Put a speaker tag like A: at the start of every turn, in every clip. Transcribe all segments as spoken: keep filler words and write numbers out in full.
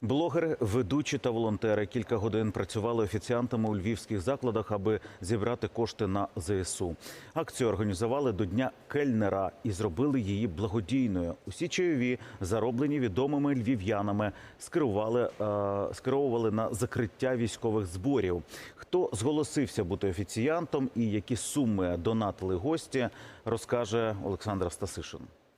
A: Блогери, ведучі та волонтери кілька годин працювали офіціантами у львівських закладах, аби зібрати кошти на зе ес у. Акцію організували до Дня кельнера і зробили її благодійною. Усі чайові, зароблені відомими львів'янами, скерували, е, скеровували на закриття військових зборів. Хто зголосився бути офіціантом і які суми донатили гості, розкаже Олександр Стасишин.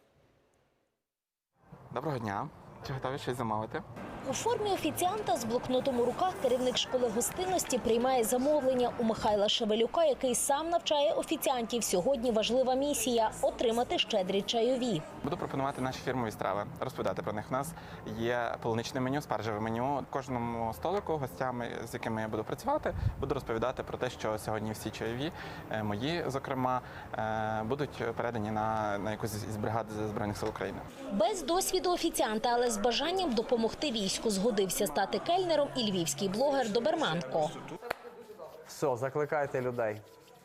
B: Доброго дня. Чи готові щось замовити?
C: У формі офіціанта з блокнотом у руках керівник школи гостинності приймає замовлення у Михайла Шевелюка, який сам навчає офіціантів. Сьогодні важлива місія – отримати щедрі чайові.
B: Буду пропонувати наші фірмові страви, розповідати про них. У нас є полуничне меню, спаржеве меню. Кожному столику гостями, з якими я буду працювати, буду розповідати про те, що сьогодні всі чайові, мої, зокрема, будуть передані на, на якусь із бригад Збройних сил України.
C: Без досвіду офіціанта, але з бажанням допомогти війську, згодився стати кельнером і львівський блогер Доберманко.
D: Все, закликайте людей.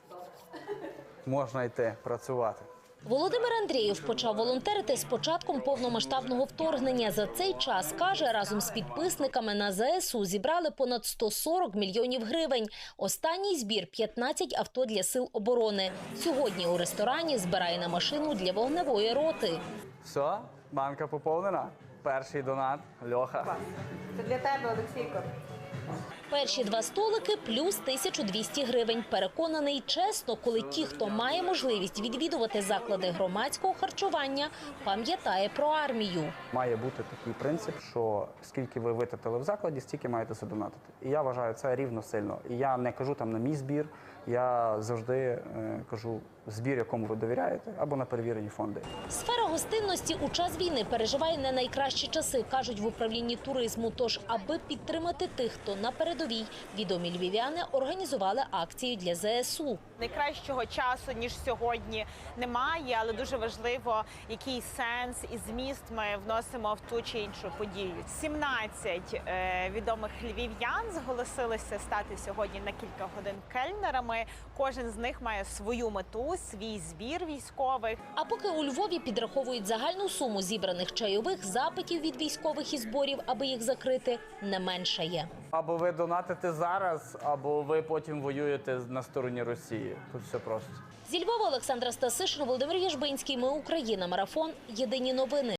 D: Можна йти працювати.
C: Володимир Андрієв почав волонтерити з початком повномасштабного вторгнення. За цей час, каже, разом з підписниками на зе ес у зібрали понад сто сорок мільйонів гривень. Останній збір – п'ятнадцять авто для сил оборони. Сьогодні у ресторані збирає на машину для вогневої роти.
D: Все, банка поповнена. Перший донат – Льоха.
E: Це для тебе, Олексійко.
C: Перші два столики – плюс тисячу двісті гривень. Переконаний, чесно, коли ті, хто має можливість відвідувати заклади громадського харчування, пам'ятає про армію.
D: Має бути такий принцип, що скільки ви витратили в закладі, стільки маєте задонатити. І я вважаю це рівно сильно. І я не кажу там на мій збір, я завжди е, кажу збір, якому ви довіряєте, або на перевірені фонди.
C: Сфера гостинності у час війни переживає не найкращі часи, кажуть в управлінні туризму. Тож, аби підтримати тих, хто на передовій, відомі львів'яни організували акцію для зе ес у.
E: Найкращого часу, ніж сьогодні, немає, але дуже важливо, який сенс і зміст ми вносимо в ту чи іншу подію. сімнадцять е, відомих львів'ян зголосилися стати сьогодні на кілька годин кельнерами. Кожен з них має свою мету, свій збір військових.
C: А поки у Львові підраховують загальну суму зібраних чайових, запитів від військових і зборів, аби їх закрити, не меншає.
D: Або ви донатите зараз, або ви потім воюєте на стороні Росії. Тут все просто.
C: Зі Львова Олександра Стасишин, Володимир Єжбинський. Ми Україна. Марафон. Єдині новини.